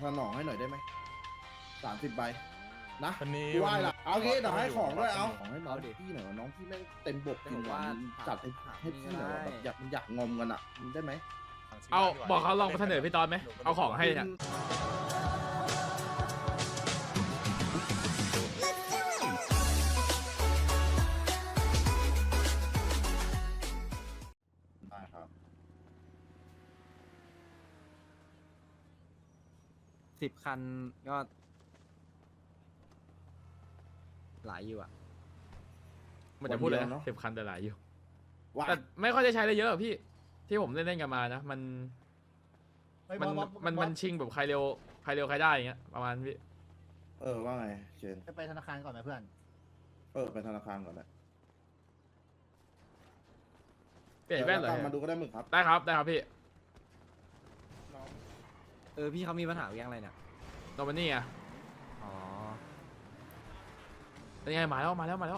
สนองให้หน่อยได้ไหม30 ใบนะวันนี้กูไหว้ละเอางี้เดี๋ยวให้ของด้วยเอาวันนี้ของให้น้องพี่หน่อยว่าน้องพี่แม่งเต็มบกจริงว่าว่ะจัดให้พี่หน่อยว่าแบบอยากงอมกันอ่ะได้ไหมเอาบอกเขาลองมาเสนอพี่ตอนไหมเอาของให้เนี่ยได้ครับ 10 คันก็หลายอยู่อ่ะมันจะพูดเลยนะ10 คันแต่หลายอยู่ว่าแต่ไม่ค่อยได้ใช้ได้เยอะหรอกพี่ที่ผมเล่นกันมานะมันชิงแบบใครเร็วใครได้อย่างเงี้ยประมาณพี่ว่าไงเชนไปธนาคารก่อนไหมเพื่อนไปธนาคารก่อนนะเปลี่ยนแว่นเหรอตามมาดูก็ได้มึงครับได้ครับพี่พี่เขามีปัญหาเรื่องอะไรเนี่ยโนมันนี่อ่ะอ๋อเป็นไงมาแล้ว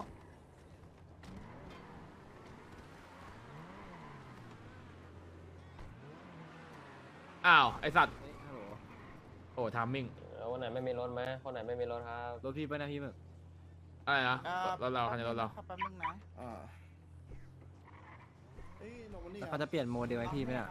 อ้าวไอสัตว์เฮ้ยฮัลโหลโอ้ทามมิ่งคนไหนไม่มีรถไหมคนไหนไม่มีรถครับรถพี่ไปนะพี่หมึกอะไรนะรถเราคันนี้รถเราแป๊บนึงนะโนมันนี่แล้วเขาจะเปลี่ยนโมเดลให้พี่ไหมเนี่ย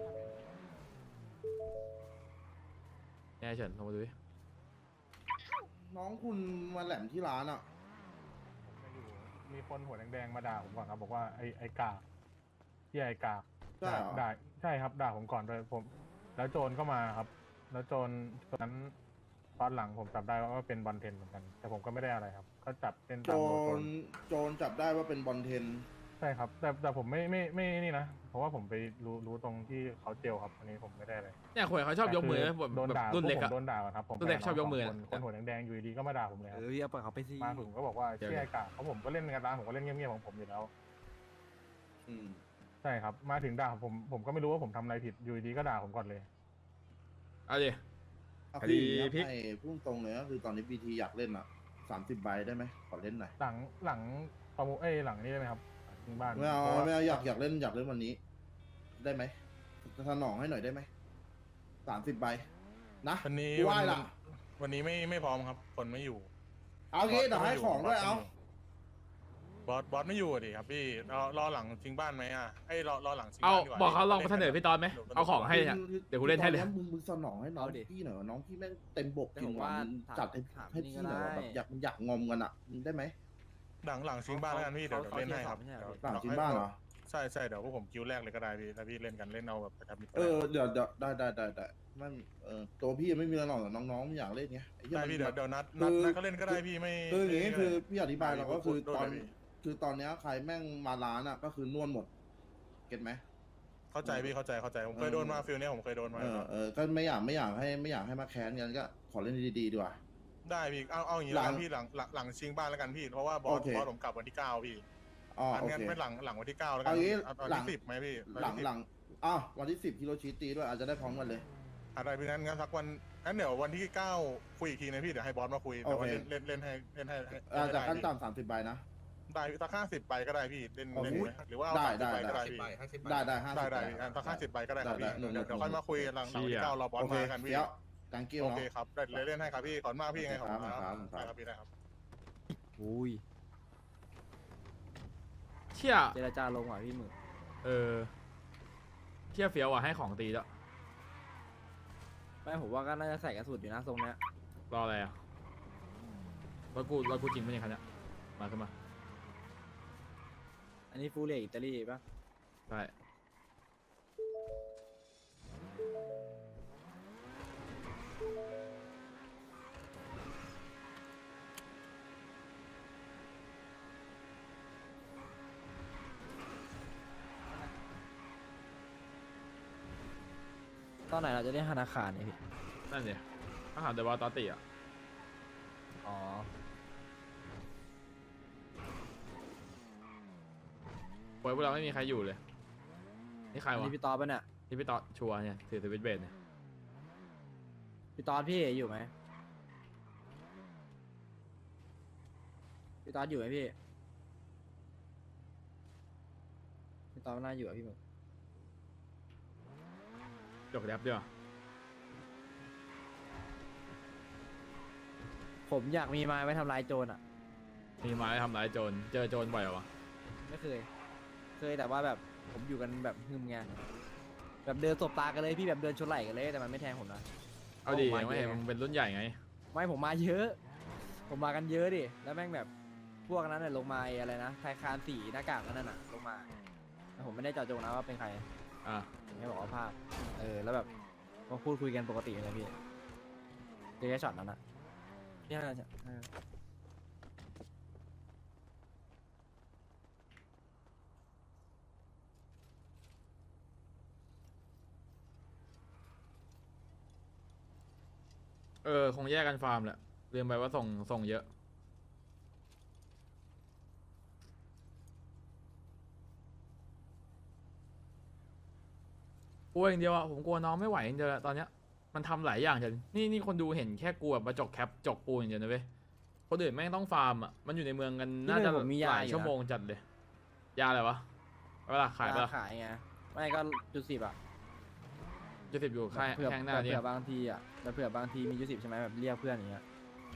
เนี่ยเฉินลงมาดูดิน้องคุณมาแหลมที่ร้านอ่ะมีคนหัวแดงๆมาด่าผมก่อนครับบอกว่าไอ้กากที่ไอ้กากใช่เหรอด่าใช่ครับด่าผมก่อนเลยผม แล้วโจรก็มาครับ แล้วโจรนั้นตอนหลังผมจับได้ว่าเป็นบอลเทนเหมือนกัน แต่ผมก็ไม่ได้อะไรครับก็จับเป็นโจตามโดนโจรจับได้ว่าเป็นบอลเทนใช่ครับ แต่ผมไม่นี่นะเพราะว่าผมไปรู้ตรงที่เขาเจลครับอันนี้ผมไม่ได้อะไรเนี่ยคนเขาชอบยกมือแบบโดนด่ารุ่นเล็กพวอะผมโดนด่าครับผมรุ่นเล็กชอบยกมือคนหัวแดงๆอยู่ดีๆก็มาด่าผมเลยครับพี่เอาปล่อยเขาไปสิมาถึงก็บอกว่าเชี่ยไอ้กากเพราะผมก็เล่นกันร้านผมก็เล่นเงียบๆของผมอยู่แล้ว ใช่ครับ มาถึงด่าผมก็ไม่รู้ว่าผมทำอะไรผิดอยู่ดีก็ด่าผมก่อนเลยเอาดิเอาคคือดีอย่างพลินี้กให้พุ่งตรงเลยก็คือตอนนี้บีทีอยากเล่นอ่ะ30 ใบได้ไหมขอเล่นหน่อยหลังประมูลหลังนี้ได้ไหมครับถึงบ้านไม่เอาพระว่ไม่เอาอยากเล่นวันนี้ ได้ไหมสนองให้หน่อยได้ไหม30 ใบนะวันนี้กูไหว้ละวันนี้ไม่พร้อมครับ คนไม่อยู่เอางี้เดี๋ยวให้ของด้วยเอาบอสไม่อยู่อะดิครับพี่รอหลังชิงบ้านไหมอ่ะรอหลังชิงเอาบ้านดีกว่าบอกเขาลองมาเสนอพี่ตอนไหมเอาของให้เนี่ย เดี๋ยวกูเล่นให้เลยตอมึงสนองให้น้องพี่หน่อยว่าน้องพี่แม่งเต็มบกจริงว่ะมึงจัดให้พี่หน่อยว่าแบบอยากงอมกันอ่ะได้ไหมหลังชิงบ้านแล้วกันพี่เดี๋ยวเล่นให้ครับหลังชิงบ้านเหรอใช่เดี๋ยวพวกผมคิวแรกเลยก็ได้พี่ถ้าพี่เล่นกันเล่นเอาแบบประทับใจเดี๋ยวได้มันตัวพี่ยังไม่มีอะไรหรอกแต่น้องๆไม่อยากเล่นไงไอ้เหี้ยได้มันพี่แบบเดี๋ยวนัดก็เล่นก็ได้พี่ไม่คืออย่างนี้คือพี่อธิบายเราก็คือโดนตอนเลยพี่คือตอนเนี้ยใครแม่งมาร้านอ่ะก็คือนวลหมดเก็ตไหมเข้าใจพี่เข้าใจผมเคยโดนมาฟิลเนี้ยผมเคยโดนมาก็ไม่อยากให้มาแค้นกันก็ขอเล่นดีๆดีกว่าได้พี่เอาอย่างนี้หลัแล้วงกันพี่หลังชิงบ้านแล้วกันพี่เพราะว่าบอโอสเคผมกลับวันที่9พี่อ๋อโองั้นเคไม่หลังวันที่9แล้วกัเอางี้เอาหลังที่10ไหมพี่หลังวันที่10ฮิโรชิตีด้วยอาจจะได้พร้อมกันเลยอะไรพี่งั้นสักวันงั้นเดี๋ยววันที่9คุยอีกทีนะพี่เดี๋ยวให้บอสมาคุยแต่ว่าโอเคเล่นให้จากขั้นได้ต่ำ30 ใบนะได้พี่สัก50ใบก็ได้พี่เล่นโอเคหรือว่าเอาได้ 30ใบก็ได้พี่ได้50 ได้พี่สัก50ใบก็ได้ครับพี่ได้เดี๋ยวค่อยมาคุยหลังวันที่9รอบอสโอเคมากันพี่เดี๋ยวการเกี่ยวโอเนาะเคครับได้เล่นให้ครับพี่ขอบคุณมากพี่ยังไงขอบคุณคครัรับบครับได้ครับพี่ได้ครับอุ้ยเชี่ยเจรจาลงว่ะพี่หมึกเชี่ยเฟี้ยวอ่ะให้ของตีแล้วไม่ผมว่าก็น่าจะใส่กระสุนอยู่นะทรงเนี้ยรออะไรอ่ะรถกูจริงไม่ใช่คันเนี้ยมาขึ้นมาอันนี้ฟูเรียอิตาลีป่ะได้ตอนไหนเราจะได้ธนาคารเนี่ยพี่นั่นสิอาหารเดบอตอติอ่ะอ๋อโอ้ยพวกเราไม่มีใครอยู่เลยนี่ใครอันวะนี้พี่ตอดป่ะเนี่ยนี่พี่ตอชัวร์เนี่ยถือสวิตช์เบสเนี่ยพี่ตอดพี่อยู่ไหมพี่ตอดอยู่ไหมพี่พี่ตอดน่าอยู่อ่ะพี่หมึกจบแรปด้วยวะผมอยากมีไม้ไว้ทำลายโจรอ่ะมีไม้ทำร้ายโจรเจอโจรบ่อยเหรอวะไม่เคย เคยแต่ว่าแบบผมอยู่กันแบบหึมไงแบบเดินตบตากันเลยพี่แบบเดินชนไหล่กันเลยแต่มันไม่แทงผมนะเอาดีผมมาไม่เห็นเยอะมึงเป็นรุ่นใหญ่ไงไม่ผมมาเยอะ ผมมากันเยอะดิแล้วแม่งแบบพวกนั้นน่ะลงมาอะไรนะไทยคานสีหน้ากากนั่นน่ะลงมาแต่ผมไม่ได้เจาะจงนะว่าเป็นใครอ่ะผมแค่บอกว่าภาพแล้วแบบก็พูดคุยกันปกติเลยพี่เจอแค่ช็อตนั้นอ่ะเนี่ยน่าจะคงแยกกันฟาร์มแหละลืมไปว่าส่งเยอะกลัวอย่างเดียวอะผมกลัวน้องไม่ไหวอย่างเดียวอะตอนเนี้ยมันทำหลายอย่างจังนี่คนดูเห็นแค่กลัวมาจกแคปจกปูนอย่างเดียวนะเว้ยคนอื่นแม่งต้องฟาร์มอะมันอยู่ในเมืองกันน่าจะผมมีหยาลายอยู่ชั่วโมงจัดเลยยาอะไรวะเอาปะล่ะขายปะล่ะขายไงไม่ก็จุดสิบอ่ะจะสิบอยู่ค่ายเผื่อแข้งหน้านี่เผื่อบางทีอ่ะแล้วเผื่อบางทีมีจุดสิบใช่ไหมแบบเรียกเพื่อนอย่างเงี้ย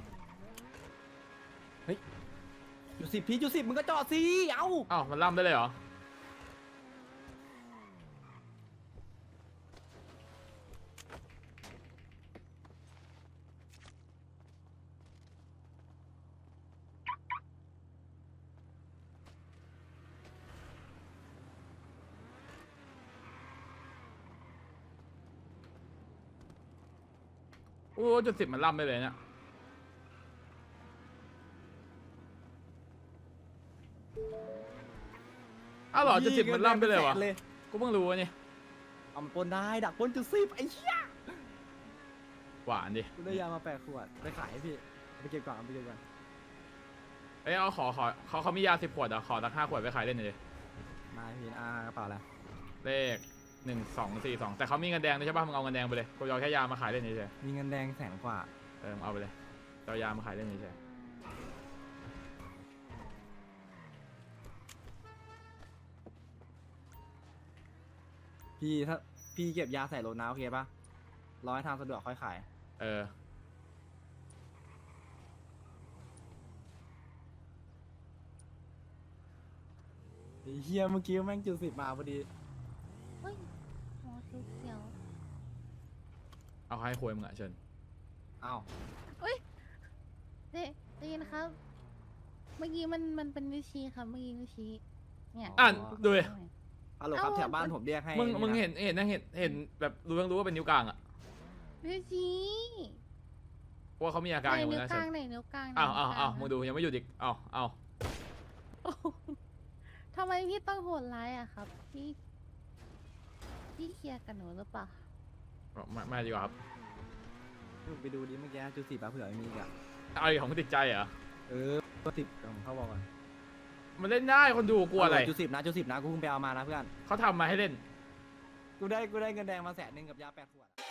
เฮ้ยจุดสิบพี่จุดสิบมึงก็จอดสิเอ้าอ้าวมันล่ำได้เลยเหรอโอ้จุดสิบมันล่ำได้เลยเนี่ยอ้าวเหรอจุดสิบมันล่ำได้เลยวะเลยกูเพิ่งรู้วะนี่เอามันปนได้ดักปนจุดสิบไอ้เหี้ยหวานดิกูได้ยามา8 ขวดไปขายให้พี่ไปเก็บก่อนเอาไปเก็บก่อนเอ้ยเอาขอเขามียา10 ขวดอ่ะขอสัก5 ขวดไปขายเล่นหน่อยดิมาพี่กระเป๋าแล้วเลข1242แต่เขามีเงินแดงด้วยใช่ป่ะมึงเอาเงินแดงไปเลยกูจะเอาแค่ยามาขายเล่นเฉยมีเงินแดง100,000 กว่าๆมึงเอาไปเลยจะเอายามาขายเล่นเฉยพี่ถ้าพี่เก็บยาใส่รถนะโอเคปะรอให้ทางสะดวกค่อยขายเออไอ้เฮียเมื่อกี้แม่งจุดสิบมาพอดีเฮ้ยหัวเสียวเอาให้คุยมึงอ่ะเชิญอ้าวๆได้ยินครับ เมื่อกี้มันเป็นนิ้วชี้ครับ เมื่อกี้นิ้วชี้เนี่ยอ่านดูดิฮัลโหลครับแถวบ้านผมเรียกให้มึงะเห็นแบบรู้ว่าเป็นนิ้วกลางอ่ะนิ้วชี้เพราะว่าเขามีอาการอยู่ไหนนิ้วนะกเชิลางญไหนนิ้วกลางอ้าวไหนนิ้วกลางมึงดูยังไม่หยุดอีกอ้าวทำไมพี่ต้องโหดร้ายอะครับ พี่เคลียร์กับหนูหรือเปล่าไม่ดีกว่าครับไปดูดิเมื่อกี้จุดสิบอะเผื่อมีอีกอะเอาอีกของมึงติดใจเหรอสิบผมเข้าบอกก่อนมันเล่นได้คนดูกลัวอะไรจุดสิบนะกูเพิ่งไปเอามานะเพื่อนเขาทำมาให้เล่นกูได้เงินแดงมา100,000กับยา8 ขวดอะ